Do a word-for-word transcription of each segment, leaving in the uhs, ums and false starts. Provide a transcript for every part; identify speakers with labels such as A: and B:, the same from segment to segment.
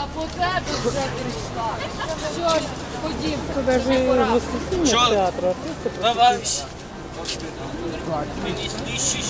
A: по тебе вже прийшла. Що ж, ходім.
B: Це навіть воскресіння театру, артисти
C: Давай.
B: присутні.
C: Мені знищиш.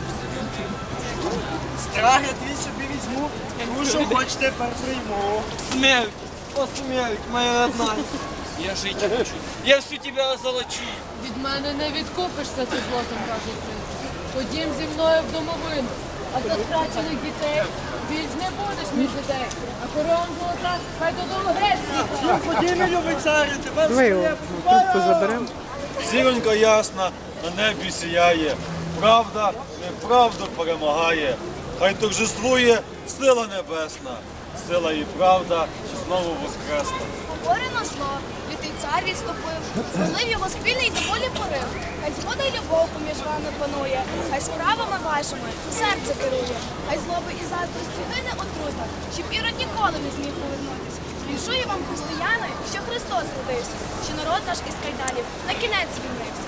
C: Страх я твій собі візьму, тому що хоч тепер прийму. Смерть, о смерть, моя родна. Я жить хочу. Я всю тебя озолочу.
A: Від мене не відкупишся ти злотом, каже син. Ходім зі мною в домовину. А за страчених дітей більш не будеш між дітей. А корон золота хай додому геть.
C: Ході, мій любий царю, тебе
B: Давай його трубку заберемо.
D: Зіронька ясна на небі сіяє, правда неправду перемагає. Хай торжествує сила небесна, сила і правда знову воскресне.
E: Говорено зло, лютий цар відступив, злив його спільний доволі порив. Хай згода й любов поміж вами панує, хай справами вашими серце керує, хай злоби і заздрості гине отрута, щоб ірод ніколи не зміг повернутись. Віншую вам, християни, що Христос родився, що народ наш із кайданів на кінець звільнився.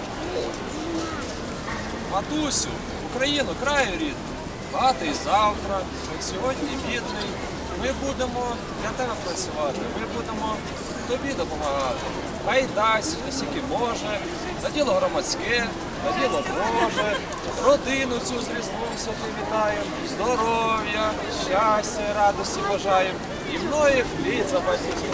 F: Матусю, Україну, краю рідний, багатий завтра, як сьогодні бідний. Ми будемо для тебе працювати, ми будемо тобі допомагати. Хай дасть, наскільки може, на діло громадське, на діло Боже, родину цю з Різдвом святим вітаємо, здоров'я, щастя, радості бажаємо і многих літ запасів.